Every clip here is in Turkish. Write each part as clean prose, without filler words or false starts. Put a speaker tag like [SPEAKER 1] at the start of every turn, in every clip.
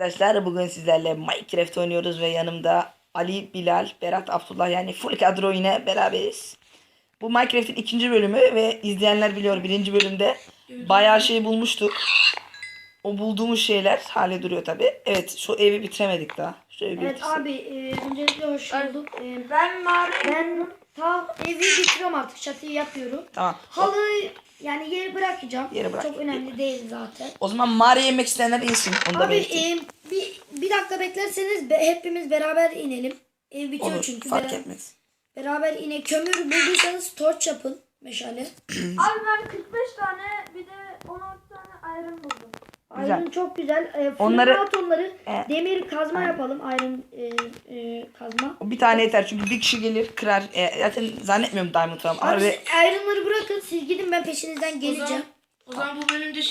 [SPEAKER 1] Arkadaşlar bugün sizlerle Minecraft oynuyoruz ve yanımda Ali, Bilal, Berat, Abdullah yani full kadro yine beraberiz. Bu Minecraft'in ikinci bölümü ve izleyenler biliyor birinci bölümde bayağı şey bulmuştuk. O bulduğumuz şeyler hale duruyor tabi. Evet şu evi bitiremedik daha. Şu evi
[SPEAKER 2] Evet
[SPEAKER 1] bitirsin.
[SPEAKER 2] abi öncelikle hoş bulduk.
[SPEAKER 3] Ben
[SPEAKER 2] Evi bitiriyorum artık, çatıyı yapıyorum.
[SPEAKER 1] Tamam.
[SPEAKER 2] Halıyı yani yeri bırakacağım.
[SPEAKER 1] Yeri bırak.
[SPEAKER 2] Çok önemli değil zaten.
[SPEAKER 1] O zaman mağaraya inmek isteyenler insin. Onu da
[SPEAKER 2] Abi
[SPEAKER 1] belirteyim.
[SPEAKER 2] bir dakika beklerseniz hepimiz beraber inelim. Ev bitiyor
[SPEAKER 1] Olur
[SPEAKER 2] çünkü.
[SPEAKER 1] fark etmez.
[SPEAKER 2] Beraber kömür bulduysanız torç yapın, meşale.
[SPEAKER 3] abi ben 45 tane bir de 16 tane iron buldum.
[SPEAKER 1] Güzel.
[SPEAKER 2] Iron çok güzel.
[SPEAKER 1] Onları-
[SPEAKER 2] onları
[SPEAKER 1] E,
[SPEAKER 2] demir kazma yapalım. Iron kazma.
[SPEAKER 1] Bir tane yeter çünkü bir kişi gelir kırar. Zaten zannetmiyorum diamond falan.
[SPEAKER 2] Abi
[SPEAKER 1] Abi,
[SPEAKER 2] iron'ları bırakın, siz gidin, ben peşinizden geleceğim.
[SPEAKER 4] O zaman bu bölümde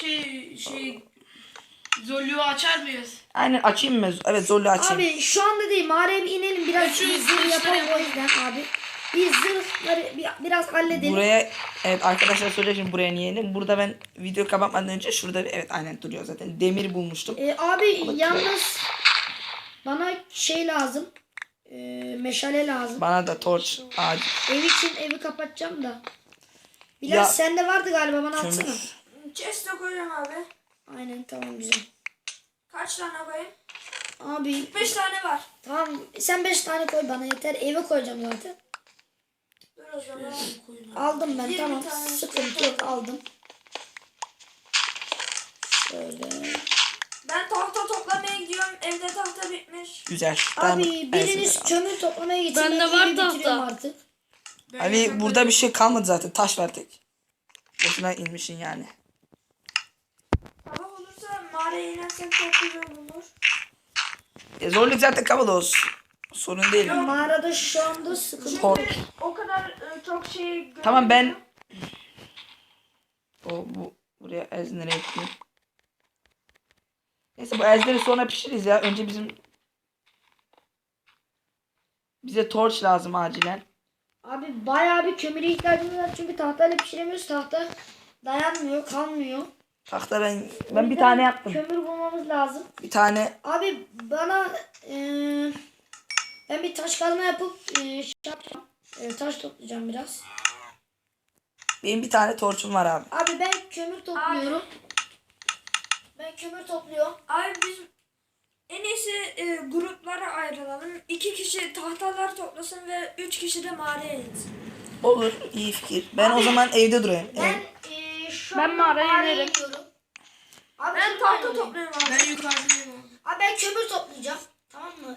[SPEAKER 4] Zollu'yu açar mıyız?
[SPEAKER 1] aynen açayım mı? Evet zorlu açayım.
[SPEAKER 2] Abi şu anda değil, mağaraya bir inelim, biraz
[SPEAKER 4] Şu
[SPEAKER 2] zırh
[SPEAKER 4] işleri
[SPEAKER 2] yapalım o
[SPEAKER 4] yapalım.
[SPEAKER 2] yüzden abi. Biz zırhları biraz halledelim.
[SPEAKER 1] Buraya evet arkadaşlar söyleyeyim şimdi buraya niye inelim. Burada ben video kapatmadan önce şurada bir evet aynen duruyor zaten. Demir bulmuştum.
[SPEAKER 2] Abi yalnız bana şey lazım. Meşale lazım.
[SPEAKER 1] Bana da torç ağacı.
[SPEAKER 2] Ev için evi kapatacağım da. Bilal
[SPEAKER 1] Ya,
[SPEAKER 2] sende vardı galiba, bana atsana.
[SPEAKER 1] Kömür.
[SPEAKER 3] Chest'e koyacağım abi.
[SPEAKER 2] Aynen, tamam, güzel.
[SPEAKER 3] Kaç tane koyayım?
[SPEAKER 2] Abi
[SPEAKER 3] 5 tane var.
[SPEAKER 2] tamam, sen 5 tane koy bana yeter. Eve koyacağım zaten.
[SPEAKER 3] Dur o zaman.
[SPEAKER 2] Aldım ben,
[SPEAKER 3] 20
[SPEAKER 2] tamam,
[SPEAKER 3] tane
[SPEAKER 2] sıkıntı yok, aldım. Şöyle.
[SPEAKER 3] Ben tahta toplamaya gidiyorum. Evde tahta bitmiş.
[SPEAKER 1] Güzel.
[SPEAKER 2] Abi
[SPEAKER 1] Tamam,
[SPEAKER 2] biriniz
[SPEAKER 1] evet,
[SPEAKER 2] kömür toplamaya gitsin.
[SPEAKER 4] Bende
[SPEAKER 2] ben
[SPEAKER 4] var
[SPEAKER 2] evi
[SPEAKER 4] tahta.
[SPEAKER 2] bitiriyorum artık.
[SPEAKER 1] Ali burada bir şey kalmadı zaten. Taş var tek. Boşuna inmişsin yani.
[SPEAKER 3] Sabah olursa mağaraya inersem çok güzel olur.
[SPEAKER 1] Zorluk zaten kapalı olsun. Sorun değil.
[SPEAKER 2] Mağarada şu anda sıkıntı.
[SPEAKER 1] Tor-
[SPEAKER 3] O kadar çok şey
[SPEAKER 1] Tamam ben buraya ezleri ekleyeyim. Neyse bu ezleri sonra pişiririz ya. Önce bize torç lazım acilen.
[SPEAKER 2] Abi bayağı bir kömüre ihtiyacımız var çünkü tahtayla pişiremiyoruz. Tahta dayanmıyor, kalmıyor.
[SPEAKER 1] Tahta ben
[SPEAKER 2] O
[SPEAKER 1] bir
[SPEAKER 2] yüzden
[SPEAKER 1] tane yaptım.
[SPEAKER 2] Kömür bulmamız lazım.
[SPEAKER 1] Bir tane
[SPEAKER 2] Abi bana ben bir taş kazma yapıp yapacağım. Taş toplayacağım biraz.
[SPEAKER 1] benim bir tane torçum var abi.
[SPEAKER 2] Abi ben kömür topluyorum. Ben kömür topluyorum.
[SPEAKER 3] Abi biz en iyisi gruplara ayrılalım. 2 kişi tahtalar toplasın ve 3 kişi de mağaraya insin.
[SPEAKER 1] Olur, iyi fikir. Ben o zaman evde durayım.
[SPEAKER 2] Ben
[SPEAKER 1] Evet.
[SPEAKER 2] şu
[SPEAKER 4] Ben
[SPEAKER 2] an
[SPEAKER 4] mağaraya inerim.
[SPEAKER 2] iniyorum. Abi
[SPEAKER 3] Ben
[SPEAKER 2] kömür
[SPEAKER 3] tahta
[SPEAKER 2] alayım.
[SPEAKER 3] topluyorum abi.
[SPEAKER 4] Ben yukarıdayım abi.
[SPEAKER 2] Abi ben kömür toplayacağım. Tamam mı?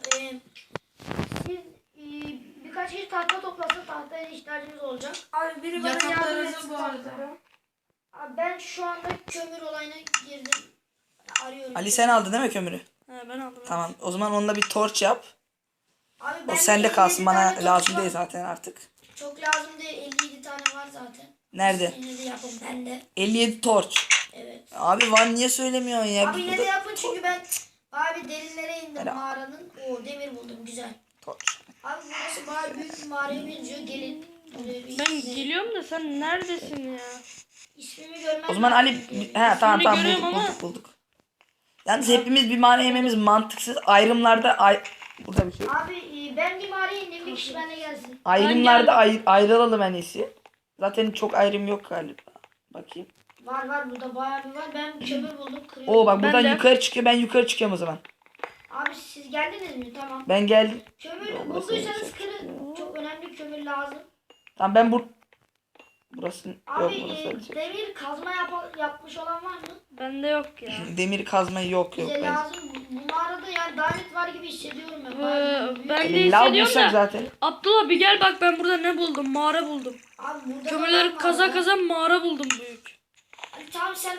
[SPEAKER 2] Siz birkaç kişi tahta toplasın, tahtaya ihtiyacımız olacak.
[SPEAKER 3] Abi biri bana yardım
[SPEAKER 4] Yataklarınızı
[SPEAKER 3] etsin
[SPEAKER 4] bu arada.
[SPEAKER 3] tahtlara.
[SPEAKER 2] Abi ben şu anda kömür olayına girdim. Arıyorum.
[SPEAKER 1] Ali sen aldın değil mi kömürü?
[SPEAKER 4] He ben aldım.
[SPEAKER 1] Tamam. O zaman onunla bir torç yap.
[SPEAKER 2] Abi
[SPEAKER 1] O
[SPEAKER 2] bende
[SPEAKER 1] sende
[SPEAKER 2] 57
[SPEAKER 1] kalsın. Bana
[SPEAKER 2] tane torç
[SPEAKER 1] lazım
[SPEAKER 2] var.
[SPEAKER 1] değil zaten artık.
[SPEAKER 2] Çok lazım değil. 57 tane var zaten.
[SPEAKER 1] Nerede?
[SPEAKER 2] Yine de yapın bende.
[SPEAKER 1] 57 torç.
[SPEAKER 2] Evet.
[SPEAKER 1] Abi var niye söylemiyorsun ya?
[SPEAKER 2] Abi yine de yapın çünkü ben abi derinlere indim
[SPEAKER 1] Helal.
[SPEAKER 2] mağaranın. O demir buldum, güzel.
[SPEAKER 1] Torç.
[SPEAKER 2] Abi burası bayağı büyük bir mağaraya benziyor. Gelin. Buraya bir
[SPEAKER 4] Ben geliyorum da sen neredesin ya?
[SPEAKER 2] İsmimi görmem
[SPEAKER 1] O zaman
[SPEAKER 2] lazım.
[SPEAKER 1] Ali tamam
[SPEAKER 4] görüyorum
[SPEAKER 1] bulduk,
[SPEAKER 4] ama-
[SPEAKER 1] bulduk. Yalnız hepimiz bir mağara yememiz mantıksız. Ayrımlarda burada bir şey.
[SPEAKER 2] Abi ben bir mağaraya indim. Bir kişi benimle gelsin.
[SPEAKER 1] Ayrımlarda ayrılalım en iyisi. Zaten çok ayrım yok galiba. Bakayım.
[SPEAKER 2] Var burada bayağı bir var. Ben kömür buldum, kırıyorum.
[SPEAKER 1] Oo bak buradan
[SPEAKER 4] de.
[SPEAKER 1] yukarı çıkıyor. Ben yukarı çıkıyorum o zaman.
[SPEAKER 2] Abi siz geldiniz mi? Tamam.
[SPEAKER 1] Ben geldim.
[SPEAKER 2] Kömür
[SPEAKER 1] Burası
[SPEAKER 2] bulduysanız
[SPEAKER 1] yüksek.
[SPEAKER 2] kırın. Çok önemli kömür lazım.
[SPEAKER 1] Tamam ben burası yok
[SPEAKER 2] Abi
[SPEAKER 1] burası öyle şey.
[SPEAKER 2] demir kazma yapmış olan var mı?
[SPEAKER 4] Bende yok ya.
[SPEAKER 1] Demir kazmayı yok
[SPEAKER 2] Bize
[SPEAKER 1] ben.
[SPEAKER 2] lazım. Bu mağarada yani davet var gibi hissediyorum ben.
[SPEAKER 4] Ee,
[SPEAKER 2] Bayağı büyük.
[SPEAKER 4] ben de
[SPEAKER 1] Lav
[SPEAKER 4] hissediyorum
[SPEAKER 1] bulsak
[SPEAKER 4] da.
[SPEAKER 1] zaten.
[SPEAKER 4] Abdullah bir gel bak, ben burada ne buldum? Mağara buldum.
[SPEAKER 2] Abi burada da
[SPEAKER 4] Kömürleri
[SPEAKER 2] var
[SPEAKER 4] kaza
[SPEAKER 2] mağara.
[SPEAKER 4] kaza mağara buldum büyük.
[SPEAKER 2] Abi tamam sen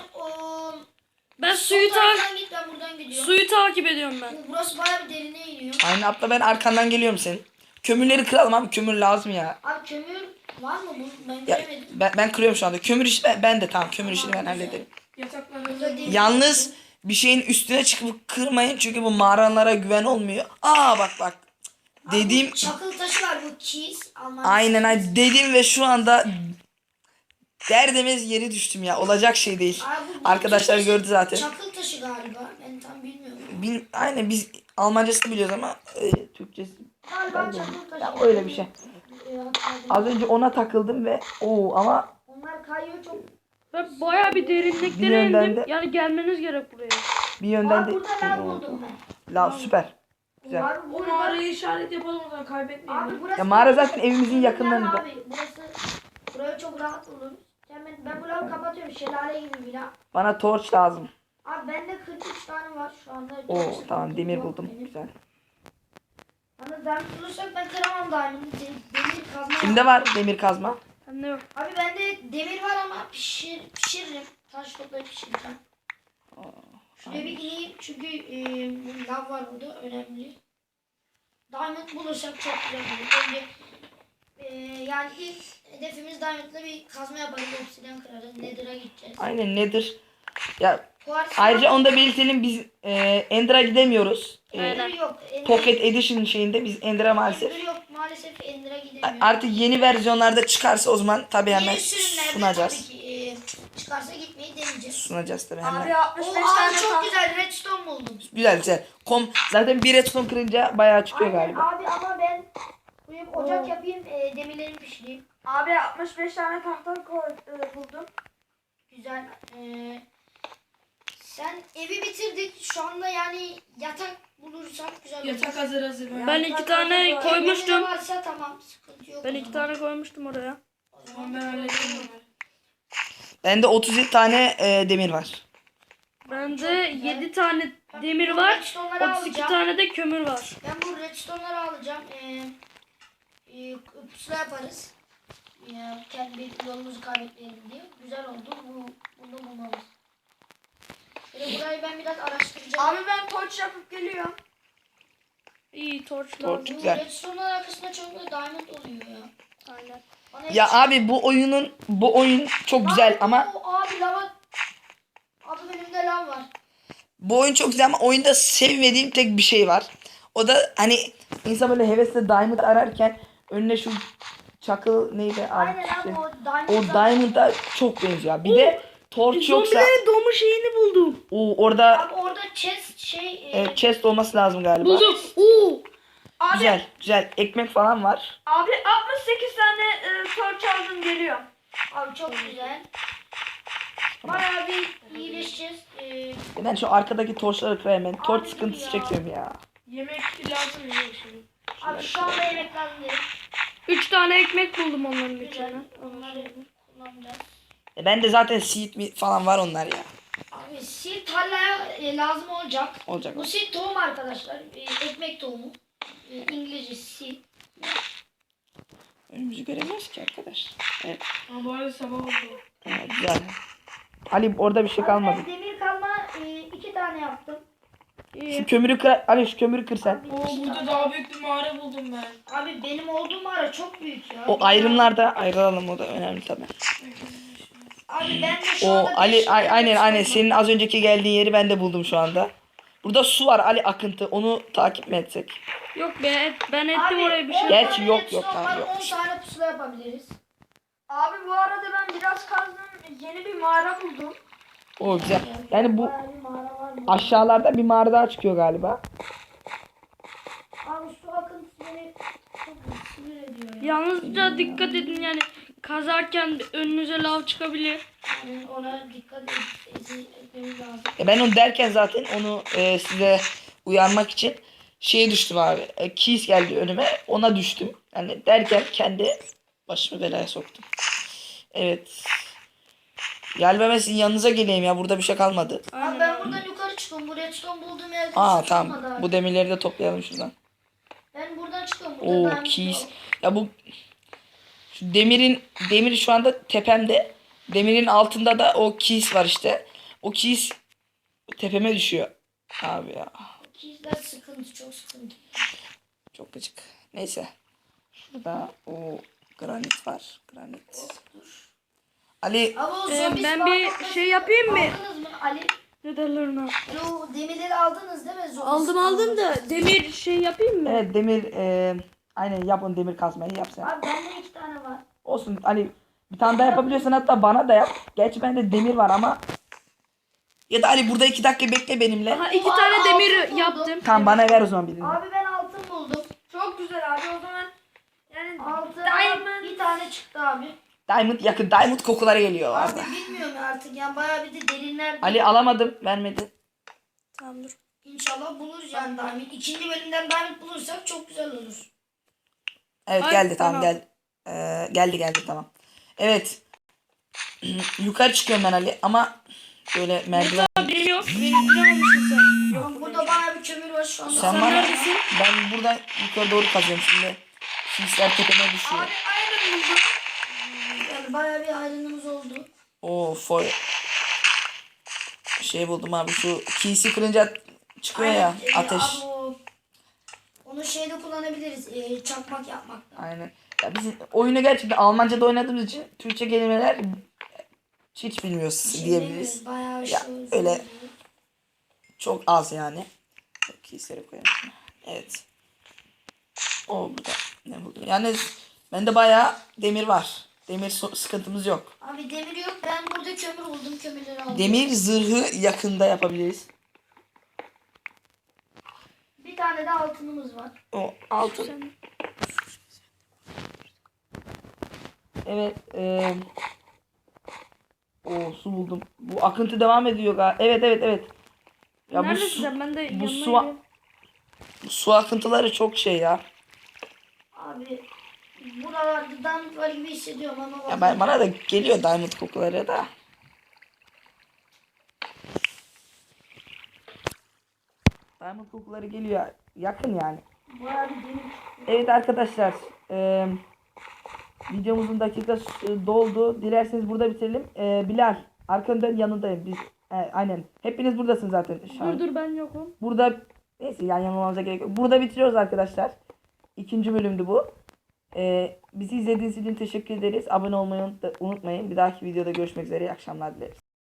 [SPEAKER 4] Ben
[SPEAKER 2] sol taraftan git, ben buradan gidiyorum.
[SPEAKER 4] suyu takip ediyorum ben.
[SPEAKER 2] Burası bayağı bir derine iniyor.
[SPEAKER 1] Aynen abla ben arkandan geliyorum senin. Kömürleri kıralım abi kömür lazım ya.
[SPEAKER 2] Abi kömür var mı? Ben
[SPEAKER 1] Ya
[SPEAKER 2] göremedim.
[SPEAKER 1] ben kırıyorum şu anda. Kömür işi ben de tamam kömür işini ben hallederim.
[SPEAKER 2] Burada demir.
[SPEAKER 1] Yalnız bir şeyin üstüne çıkıp kırmayın çünkü bu mağaralara güven olmuyor. Aa bak.
[SPEAKER 2] Abi
[SPEAKER 1] Dediğim
[SPEAKER 2] bu çakıl taşı var, bu cheese.
[SPEAKER 1] aynen dedim ve şu anda derdimiz yeri düştüm ya. Olacak şey değil.
[SPEAKER 2] Abi bu
[SPEAKER 1] Arkadaşlar
[SPEAKER 2] çakıl-
[SPEAKER 1] gördü zaten.
[SPEAKER 2] Çakıl taşı galiba. Ben tam bilmiyorum. bilmiyorum.
[SPEAKER 1] Aynen biz Almancasını biliyoruz ama Türkçesi.
[SPEAKER 2] Galiba
[SPEAKER 1] Ben de-
[SPEAKER 2] çakıl taşı.
[SPEAKER 1] Ya öyle bir şey.
[SPEAKER 2] Hatırladım.
[SPEAKER 1] Az önce ona takıldım ve ama
[SPEAKER 2] Onlar kayıyor çok.
[SPEAKER 4] Ben bayağı bir
[SPEAKER 1] Bir
[SPEAKER 4] derinliklere
[SPEAKER 1] yönden
[SPEAKER 4] indim.
[SPEAKER 1] de-
[SPEAKER 4] Yani gelmeniz gerek buraya.
[SPEAKER 1] bir yönden
[SPEAKER 2] Aa,
[SPEAKER 1] de
[SPEAKER 2] burada lav buldum ben.
[SPEAKER 1] La süper. Güzel.
[SPEAKER 2] Abi
[SPEAKER 3] O
[SPEAKER 2] burada.
[SPEAKER 3] mağarayı işaret yapalım o zaman kaybetmeyelim.
[SPEAKER 2] Abi burası.
[SPEAKER 1] Ya mağara zaten evimizin
[SPEAKER 2] Burada
[SPEAKER 1] yakınlarında.
[SPEAKER 2] Abi burayı çok rahat buldum. Ben bu lavı kapatıyorum. Şelale gibi bina.
[SPEAKER 1] Bana torç lazım.
[SPEAKER 2] Abi bende 43 tane var şu anda. Çok
[SPEAKER 1] Oo
[SPEAKER 2] sıkıntı
[SPEAKER 1] tamam demir
[SPEAKER 2] yok
[SPEAKER 1] buldum.
[SPEAKER 2] benim.
[SPEAKER 1] Güzel.
[SPEAKER 2] Bana diamond bulursak ben kıramam diamond'ı. Demir kazma.
[SPEAKER 1] Kimde var demir kazma?
[SPEAKER 4] Bende yok.
[SPEAKER 2] Abi bende demir var ama pişiririm. Taş toplayıp pişireceğim. Şuraya bir ineyim çünkü lav var burada önemli. Diamond bulursak çok güzel olur. Önce yani ilk hedefimiz Diamond'la bir kazma yaparız. Obsidian kırarız. Nether'a gideceğiz.
[SPEAKER 1] Aynen nedir? Ya
[SPEAKER 2] Quartz
[SPEAKER 1] ayrıca onu da belirtelim biz Ender'a gidemiyoruz.
[SPEAKER 2] Ender yok.
[SPEAKER 1] Pocket Edition şeyinde biz Ender'a maalesef.
[SPEAKER 2] Ender yok. Maalesef Ender'a gidemiyoruz.
[SPEAKER 1] Artık yeni versiyonlarda çıkarsa o zaman tabii hemen
[SPEAKER 2] Yeni sürümlerde
[SPEAKER 1] sunacağız.
[SPEAKER 2] tabii ki çıkarsa gitmeyi deneyeceğiz.
[SPEAKER 1] Sunacağız tabii hemen.
[SPEAKER 3] Abi 65
[SPEAKER 2] O
[SPEAKER 3] tane
[SPEAKER 2] abi çok
[SPEAKER 3] tahta.
[SPEAKER 2] güzel redstone buldum.
[SPEAKER 1] Güzel güzel. Zaten bir redstone kırınca bayağı çıkıyor
[SPEAKER 2] Aynen
[SPEAKER 1] galiba.
[SPEAKER 2] abi ama ben koyup ocak yapayım demirlerimi pişireyim.
[SPEAKER 3] Abi 65 tane tahta buldum.
[SPEAKER 2] Güzel. Sen evi bitirdik. Şu anda yani yatak bulursak güzel olur.
[SPEAKER 3] Yatak hazır.
[SPEAKER 4] Ben 2 tane
[SPEAKER 2] Evde
[SPEAKER 4] koymuştum.
[SPEAKER 2] ne varsa tamam sıkıntı yok.
[SPEAKER 4] Ben
[SPEAKER 2] o
[SPEAKER 4] 2
[SPEAKER 2] zaman.
[SPEAKER 4] tane koymuştum oraya.
[SPEAKER 2] O zaman
[SPEAKER 3] Tamam ben hallettim.
[SPEAKER 1] Bende 37 tane demir var.
[SPEAKER 4] Bende 7 tane demir var. 32 tane de kömür var.
[SPEAKER 2] Ben bu redstone'ları alacağım. Pusula yaparız. Kendi yolumuzu kaybetmeyelim diye. Güzel oldu. Bunu bulmamız. Burayı ben biraz araştıracağım.
[SPEAKER 3] Abi ben torç yapıp geliyorum.
[SPEAKER 4] İyi torç
[SPEAKER 1] Torç.
[SPEAKER 4] lazım.
[SPEAKER 2] Bu
[SPEAKER 1] güzel.
[SPEAKER 2] redstone'lar arkasında çok da diamond oluyor ya.
[SPEAKER 4] Aynen.
[SPEAKER 2] Bana
[SPEAKER 1] Ya abi bu oyun çok güzel ama
[SPEAKER 2] Abi lava. Abi önümde lav var.
[SPEAKER 1] bu oyun çok güzel ama oyunda sevmediğim tek bir şey var. O da hani insan böyle hevesle diamond ararken önüne şu çakıl neydi abi?
[SPEAKER 2] Aynen
[SPEAKER 1] işte.
[SPEAKER 2] abi o diamond.
[SPEAKER 1] O diamond'a çok benziyor. Bir de torç yoksa
[SPEAKER 4] Zombilerin doğma şeyini buldum.
[SPEAKER 1] orada
[SPEAKER 2] Abi orada chest
[SPEAKER 1] chest olması lazım galiba.
[SPEAKER 4] Buldum. Oo.
[SPEAKER 3] Abi,
[SPEAKER 1] Güzel güzel ekmek falan var.
[SPEAKER 3] abi 68 tane torç aldım geliyorum.
[SPEAKER 2] Abi çok güzel. Bayağı bir iyileşeceğiz.
[SPEAKER 1] Ben şu arkadaki torçları kırayım ben. Torç
[SPEAKER 2] Abi
[SPEAKER 1] sıkıntısı
[SPEAKER 2] ya.
[SPEAKER 1] çekiyorum ya.
[SPEAKER 3] Yemek lazım ya şimdi.
[SPEAKER 2] Abi şu anda yemek lazım değil.
[SPEAKER 4] 3 tane ekmek buldum onların
[SPEAKER 2] Güzel.
[SPEAKER 4] içine.
[SPEAKER 2] Onları kullanacağız.
[SPEAKER 1] Ben de zaten seed falan var onlar ya.
[SPEAKER 2] Abi seed tarlaya lazım olacak.
[SPEAKER 1] Olacak.
[SPEAKER 2] Bu seed tohum arkadaşlar. Ekmek tohumu. İngilizce seed.
[SPEAKER 1] Önümüzü göremiyoruz ki arkadaş. Evet.
[SPEAKER 3] Ama bu arada sabah oldu.
[SPEAKER 1] Güzel. Ali orada bir şey kalmadı.
[SPEAKER 2] Ben demir kalma 2 tane yaptım.
[SPEAKER 1] Şu kömürü kır. Ali şu kömürü kır sen.
[SPEAKER 2] Abi,
[SPEAKER 3] Oo
[SPEAKER 2] iki
[SPEAKER 3] burada
[SPEAKER 2] tane.
[SPEAKER 3] daha büyük bir mağara buldum ben.
[SPEAKER 2] Abi benim olduğum mağara çok büyük ya.
[SPEAKER 1] O ayrımlarda ayrılalım o da önemli tabii.
[SPEAKER 2] Abi ben de şu
[SPEAKER 1] O
[SPEAKER 2] anda
[SPEAKER 1] Ali
[SPEAKER 2] beş tane
[SPEAKER 1] aynen
[SPEAKER 2] redstone
[SPEAKER 1] senin az önceki geldiğin yeri ben de buldum şu anda. Burada su var Ali akıntı. Onu takip mi etsek?
[SPEAKER 4] Yok ben ettim
[SPEAKER 2] Abi,
[SPEAKER 4] oraya bir
[SPEAKER 2] 10
[SPEAKER 4] şey.
[SPEAKER 1] Gerçi
[SPEAKER 2] tane
[SPEAKER 1] yok,
[SPEAKER 2] redstone
[SPEAKER 1] tamam,
[SPEAKER 2] var,
[SPEAKER 1] yok.
[SPEAKER 2] 10 tane pusula yapabiliriz.
[SPEAKER 3] Abi bu arada ben biraz kazdım. Yeni bir mağara buldum.
[SPEAKER 1] O güzel. Yani bu
[SPEAKER 2] Bayağı bir mağara var mı?
[SPEAKER 1] aşağılarda bir mağara daha çıkıyor galiba.
[SPEAKER 2] Abi su akıntısı beni çok sinir ediyor ya.
[SPEAKER 4] Yalnızca dikkat edin yani kazarken önünüze lav çıkabilir.
[SPEAKER 2] Yani ona dikkat etmemiz lazım.
[SPEAKER 1] Ben onu derken zaten onu size uyarmak için şeye düştüm abi. Keys geldi önüme. Ona düştüm. Yani derken kendi başımı belaya soktum. Evet. Galiba ben sizin yanınıza geleyim ya. Burada bir şey kalmadı.
[SPEAKER 2] Abi ben buradan yukarı çıkıyorum. Bu redstone bulduğum yerden
[SPEAKER 1] Aa
[SPEAKER 2] hiç
[SPEAKER 1] tamam.
[SPEAKER 2] çıkmadı abi.
[SPEAKER 1] Bu demirleri de toplayalım şuradan.
[SPEAKER 2] Ben buradan çıkıyorum. Burada
[SPEAKER 1] Oo
[SPEAKER 2] diamond
[SPEAKER 1] keys.
[SPEAKER 2] yok.
[SPEAKER 1] Ya bu şu demir şu anda tepemde. Demirin altında da o keys var işte. O keys tepeme düşüyor. Abi ya.
[SPEAKER 2] Keysler sıkıntı, çok sıkıntı.
[SPEAKER 1] Çok gıcık. Neyse. Şurada o granit var. Granit. Ali
[SPEAKER 2] Ama o
[SPEAKER 4] Ben
[SPEAKER 2] zombi
[SPEAKER 4] bir
[SPEAKER 2] spawn
[SPEAKER 4] şey yapayım mı?
[SPEAKER 2] aldınız mı Ali?
[SPEAKER 4] Ne derler ona?
[SPEAKER 2] O demirleri aldınız değil mi? Zombi
[SPEAKER 4] Aldım
[SPEAKER 2] spawn
[SPEAKER 4] da demir şey yapayım mı?
[SPEAKER 1] evet demir aynen yap onu demir kazmayı yap sen.
[SPEAKER 2] Abi bende 2 tane var.
[SPEAKER 1] Olsun Ali bir tane daha yapabiliyorsan hatta bana da yap. Gerçi bende demir var ama Ya da Ali burada 2 dakika bekle benimle.
[SPEAKER 4] Aha 2
[SPEAKER 2] Aa,
[SPEAKER 4] tane demir
[SPEAKER 2] altın buldum.
[SPEAKER 4] yaptım.
[SPEAKER 1] Tamam bana ver o zaman birini.
[SPEAKER 2] Abi ben altın buldum.
[SPEAKER 3] Çok güzel abi o zaman. Yani
[SPEAKER 2] Altın
[SPEAKER 3] Diamond.
[SPEAKER 2] bir tane çıktı abi.
[SPEAKER 1] Diamond yakın. Diamond kokuları geliyor
[SPEAKER 2] Abi
[SPEAKER 1] arada.
[SPEAKER 2] bilmiyorum artık yani bayağı bir de derinler.
[SPEAKER 1] Ali alamadım. Vermedi.
[SPEAKER 3] Tamam dur.
[SPEAKER 2] İnşallah buluruz yani Diamond. İkinci bölümden Diamond bulursak çok güzel olur.
[SPEAKER 1] Evet
[SPEAKER 4] Ay,
[SPEAKER 1] geldi tamam
[SPEAKER 4] tamam.
[SPEAKER 1] geldi. Geldi tamam. Evet. Yukarı çıkıyorum ben Ali ama böyle merdiven.
[SPEAKER 4] Biri yok. Biri almışsın sen.
[SPEAKER 2] Ama burada bayağı bir kömür var şu anda.
[SPEAKER 1] Sen bana
[SPEAKER 4] neredesin?
[SPEAKER 1] ben buradan yukarı doğru kazıyorum şimdi. Sisler tepeme düşüyor.
[SPEAKER 3] Abi iron buldum.
[SPEAKER 2] Yani bayağı bir ayrılığımız oldu.
[SPEAKER 1] Oo şey buldum abi şu kiysi kırınca çıkıyor ya ateş.
[SPEAKER 2] Abi onu şeyde kullanabiliriz. Çakmak yapmakta.
[SPEAKER 1] Aynen. Ya biz oyunu gerçekten Almanca'da oynadığımız için Türkçe kelimeler hiç bilmiyoruz diyebiliriz.
[SPEAKER 2] Şey bayağı
[SPEAKER 1] Ya, öyle. Çok az yani. Kiyisleri koyalım. Evet. O burada ne buldum? Yani bende bayağı demir var. Demir sıkıntımız yok.
[SPEAKER 2] Abi demir yok. Ben burada kömür buldum. Kömürleri aldım.
[SPEAKER 1] Demir zırhı yakında yapabiliriz.
[SPEAKER 2] Bir tane de altınımız var.
[SPEAKER 1] O altın. Evet. O su buldum. Bu akıntı devam ediyor galiba. Evet. Ya
[SPEAKER 4] Neredesin sen? Ben de
[SPEAKER 1] bu
[SPEAKER 4] yanına
[SPEAKER 1] su,
[SPEAKER 4] gidiyorum.
[SPEAKER 1] su akıntıları çok şey ya.
[SPEAKER 2] Abi buralarda diamond var gibi hissediyorum ama
[SPEAKER 1] Ya bana da geliyor diamond kokuları da. Diamond kokuları geliyor. Yakın yani.
[SPEAKER 2] bayağı bir demir.
[SPEAKER 1] Evet arkadaşlar. Videomuzun dakikası doldu. Dilerseniz burada bitirelim. Bilal arkanın yanındayım. Biz aynen. Hepiniz buradasınız zaten şu an.
[SPEAKER 4] Dur ben yokum.
[SPEAKER 1] Burada neyse yan yana olmamıza gerek yok. Burada bitiriyoruz arkadaşlar. 2. bölümdü bu. Bizi izlediğiniz için teşekkür ederiz. Abone olmayı unutmayın. Bir dahaki videoda görüşmek üzere. İyi akşamlar dileriz.